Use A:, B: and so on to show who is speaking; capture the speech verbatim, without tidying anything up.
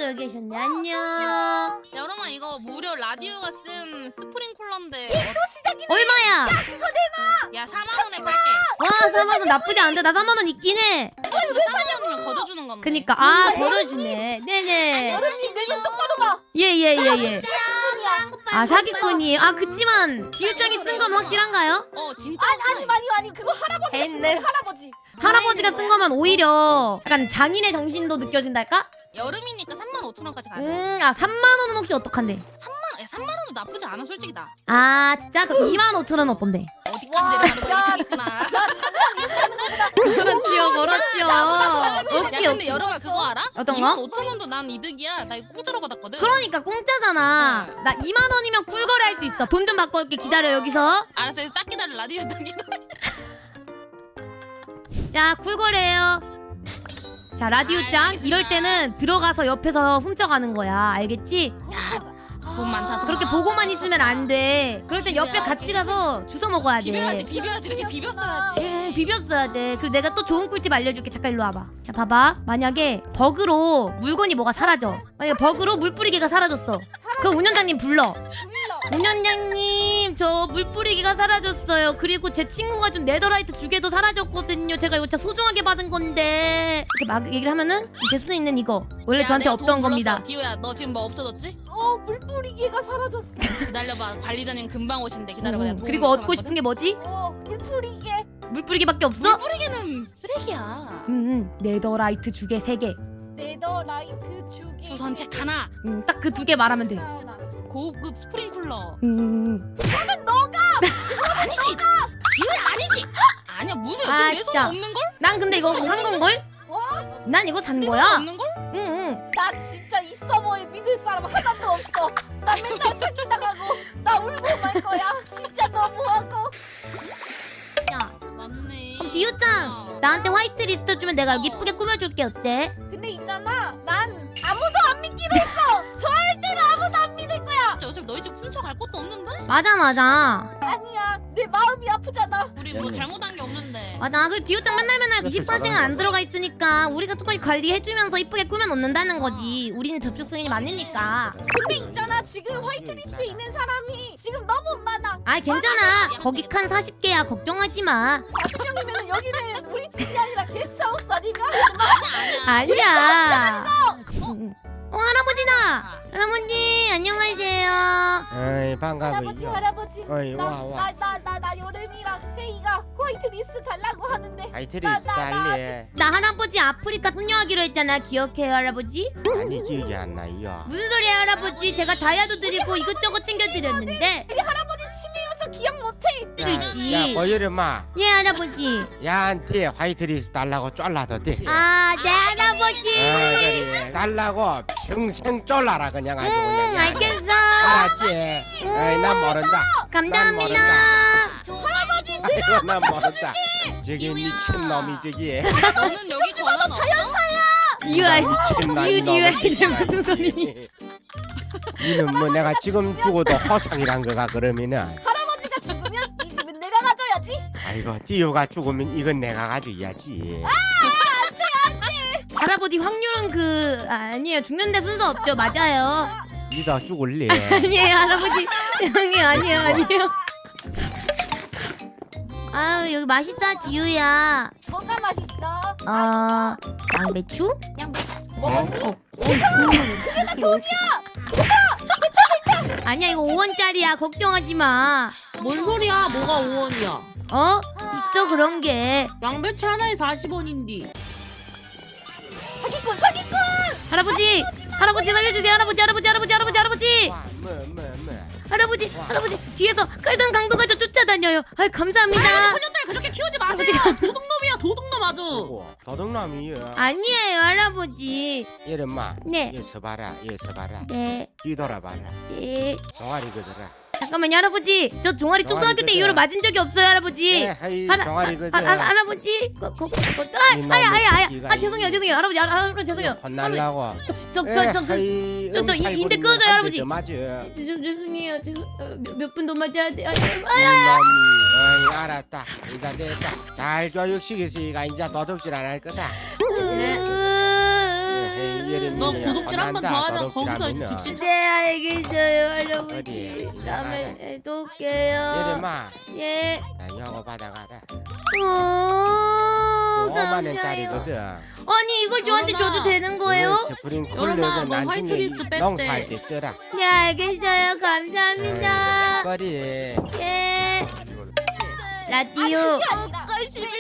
A: 여기 계셨네. 안녕.
B: 여러분 이거 무료 라디오가 쓴 스프링쿨러인데
C: 또 시작이네.
A: 얼마야?
C: 야 그거 내놔.
B: 야 사만 원에 팔게.
A: 와 삼만 원 나쁘지 않은데. 나 삼만 원 있긴 해.
B: 이거 진짜 사만 원이면 거둬주는 건데.
A: 그니까 아 걸어주네. 네네.
C: 어르신 내눈 똑바로 봐.
A: 예예예 예, 예, 예.
C: 사기꾼이야.
A: 아 사기꾼이에요. 아 그치만 지우장이 쓴 건 확실한가요?
B: 어 진짜
C: 아니 아니 아니 아니 그거 할아버지가 쓴 거야 할아버지.
A: 할아버지가 쓴 거면 오히려 약간 장인의 정신도 느껴진달까?
B: 여름이니까 삼만 오천 원까지 가야 돼.
A: 음아 삼만 원은 혹시 어떡한데?
B: 삼만 야 삼만 원도 나쁘지 않아 솔직히 나.
A: 아 진짜? 그럼 이만 오천 원 어떤데?
B: 어디까지 내려가는 거야 있구나.
A: 그렇지요 그렇지요.
B: 야
A: 오케이
B: 근데
A: 오케이.
B: 여름아 그거 알아?
A: 어떤 거?
B: 이만 오천 원도 난 이득이야. 나 이거 공짜로 받았거든.
A: 그러니까 공짜잖아.
B: 어.
A: 나 이만 원이면 쿨거래 할 수 있어. 돈 좀 받고 올게. 기다려 여기서.
B: 알았어 딱 기다려 라디오 딱 기다려.
A: 자 쿨거래요. 자 라디오짱
B: 알겠습니다.
A: 이럴 때는 들어가서 옆에서 훔쳐가는 거야. 알겠지?
B: 돈 많다. 돈
A: 그렇게
B: 많다.
A: 보고만 있으면 안 돼. 그럴 땐 옆에 같이 가서 주워 먹어야
B: 비벼야지
A: 돼.
B: 비벼야지 이렇게 비볐어야지.
A: 응, 비볐어야 돼. 그리고 내가 또 좋은 꿀팁 알려줄게. 잠깐 일로 와봐. 자, 봐봐. 만약에 버그로 물건이 뭐가 사라져. 만약에 버그로 물 뿌리기가 사라졌어. 그 운전자님 불러. 운전자님, 저 물 뿌리기가 사라졌어요. 그리고 제 친구가 준 네더라이트 두 개도 사라졌거든요. 제가 이거 진짜 소중하게 받은 건데. 이렇게 막 얘기를 하면은 제 손에 있는 이거 원래
B: 야,
A: 저한테
B: 내가
A: 없던
B: 돈
A: 겁니다.
B: 불렀어. 디오야 너 지금 뭐 없어졌지?
C: 어 물뿌리기가 사라졌어.
B: 기다려봐 관리자님 금방 오신대. 기다려봐. 내가
A: 음,
B: 돈
A: 그리고 얻고
B: 붙여놨거든?
A: 싶은 게 뭐지?
C: 어 물뿌리게.
A: 물 뿌리기밖에 없어?
B: 물 뿌리기는 쓰레기야.
A: 응, 응. 네더라이트 두 개, 세 개.
C: 네더라이트 주기.
B: 수선책 하나.
A: 응, 딱 그 두 개 말하면 돼.
C: 하나.
B: 고급 스프링쿨러.
A: 응, 응, 응.
C: 그거는 너가.
B: 아니지. 디오야 아니지. 아니야 무슨
A: 아,
B: 지금 내 손에
A: 진짜.
B: 없는 걸?
A: 난 근데 이거 산 건걸?
C: 와.
A: 난 이거 산
B: 내 손에
A: 거야.
B: 없는 걸?
A: 응, 응.
C: 나 진짜 이 서버에 믿을 사람 하나도 없어. 나 맨날 사기당하고 나 울고 말 거야. 진짜 너무하고.
A: 야,
B: 맞네.
A: 그럼 디오짱 나한테 화이트 리스트 주면 내가 여기 이쁘게 꾸며줄게. 어때?
C: 근데 있잖아, 난 아무도 안 믿기로 했어. 절대로 아무도 안 믿을 거야.
B: 진짜 어차피 너희 집 훔쳐갈 것도 없는데?
A: 맞아, 맞아.
C: 아니야, 내 마음이 아프잖아.
B: 우리 뭐 잘못한 게 없는데.
A: 맞아. 그 디오짱 맨날 맨날 이십사 시간 안 들어가 있으니까 우리가 조금 관리해주면서 이쁘게 꾸며놓는다는 거지. 우리는 접촉 승인이 많으니까.
C: 근데 있잖아, 지금 화이트리스트에 있는 사람이 지금 너무 많아.
A: 아, 괜찮아. 거기 칸 사십 개야. 걱정하지 마.
C: 사십 명이면 여기는 우리 집이 아니라 게스트하우스 아닌가?
B: 아니야 아니야.
A: 아니야. 응. 어, 할아버지다. 할아버지, 안녕하세요.
D: 어이
C: 할아버지,
D: 반가워요.
C: 할아버지.
D: 어이 와 와.
C: 나 나 나 나 여름이랑 회의가 화이트리스트 달라고 하는데.
D: 화이트리스트
C: 나, 나, 나
D: 달리.
A: 나 할아버지 아프리카 소녀하기로 했잖아. 기억해요, 할아버지?
D: 아니 기억이 안 나요.
A: 무슨 소리야, 할아버지? 제가 다이아도 드리고 이것저것 챙겨드렸는데.
C: 우리 할아버지 치매여서 기억 못해.
A: 그러지.
D: 야, 야 보여르마.
A: 예, 할아버지.
D: 야한테 화이트리스트 달라고 쫄라도 돼.
A: 아, 네, 할아버지.
D: 어, 그래. 달라고 평생 쫄라라 그냥 아주 그냥.
A: 응, 알겠어.
D: 알았지? 어이 난 모른다.
A: 감사합니다.
B: 할아버지.
D: 아이고 난 모른다. 저기 미친 놈이 저기.
B: 너는 여기 전화 없어?
A: 디유아,
D: 미친
A: 디유, 디유아, 이게
D: 놈이
A: 무슨 소리니?
D: 이는 뭐 내가 지금 죽어도 허상이란 거가 그러면은.
C: 할아버지가 죽으면 이 집은 내가 가져야지.
D: 아이고 디오가 죽으면 이건 내가 가져야지.
A: 할아버지 확률은 그 아니에요. 죽는데 순서 없죠. 맞아요.
D: 니도 죽을래.
A: 아니에요, 할아버지. 형이 아니에요, 아니에요. 아유, 여기 맛있다, 디유야.
C: 뭐가 맛있어?
A: 어, 양배추?
C: 양배추.
D: 어?
A: 어. 아니야, 이거 오 원짜리야. 걱정하지 마.
E: 뭔 소리야? 뭐가 오 원이야?
A: 어? 있어 그런 게.
E: 양배추 하나에 사십 원인데.
C: 사기꾼, 사기꾼.
A: 할아버지, 할아버지 살려주세요. 할아버지, 할아버지, 할아버지, 할아버지, 할아버지.
D: 뭐, 뭐, 뭐.
A: 할아버지, 할아버지 뒤에서 깔던 강도가 저 쫓아다녀요. 아이 감사합니다.
E: 소녀딸 그렇게 키우지 마세요. 도둑놈이야, 도둑놈 아주.
D: 누구? 도둑놈이요.
A: 아니에요, 할아버지.
D: 이름마.
A: 네.
D: 얘 서봐라. 얘 서봐라.
A: 네,
D: 뒤돌아봐라.
A: 네.
D: 종아리 그더라.
A: 잠깐만요, 할아버지. 저 종아리 초등학교 때
D: 그죠?
A: 이후로 맞은 적이 없어요, 할아버지.
D: 예, 하이
A: 할아-
D: 종아리
A: 아,
D: 그더.
A: 아, 아, 할아버지. 거, 거, 거, 아,
D: 이
A: 아야, 아야, 아야.
D: 놈의
A: 아, 죄송해요, 죄송해요, 할아버지, 아, 할아버지 죄송해요.
D: 혼날라고.
A: 저, 저, 저, 저, 그, 저, 저, 이- 인대 끊어줘요, 할아버지.
D: 맞아.
A: 죄- 죄송해요, 죄송. 몇 분 더 맞아야 돼. 아, 아,
D: 이놈이. 어이 알았다. 이제 됐다. 잘 교육시켰으니까 이제 도둑질 안 할 거다.
A: 으-
D: 에이, 예림이
E: 너 고독질 한 번 더 하면 거기서 이제 즉시
A: 네 알겠어요 할아버지.
D: 어디?
A: 다음에 또 올게요.
D: 예림아
A: 예.
D: 나 이거 받아가라
A: 오,
D: 오만
A: 감사해요.
D: 원짜리거든
A: 아니 이걸 저한테
E: 여름아.
A: 줘도 되는 거예요?
D: 이거 스프링
E: 여름아,
D: 쿨러는
E: 너
D: 나중에
E: 화이트리스트 뺐대.
D: 농사할 때 써라
A: 네 알겠어요. 감사합니다.
D: 거리
A: 예. 라디오.
C: 아니, 그게 아니라
B: 관심이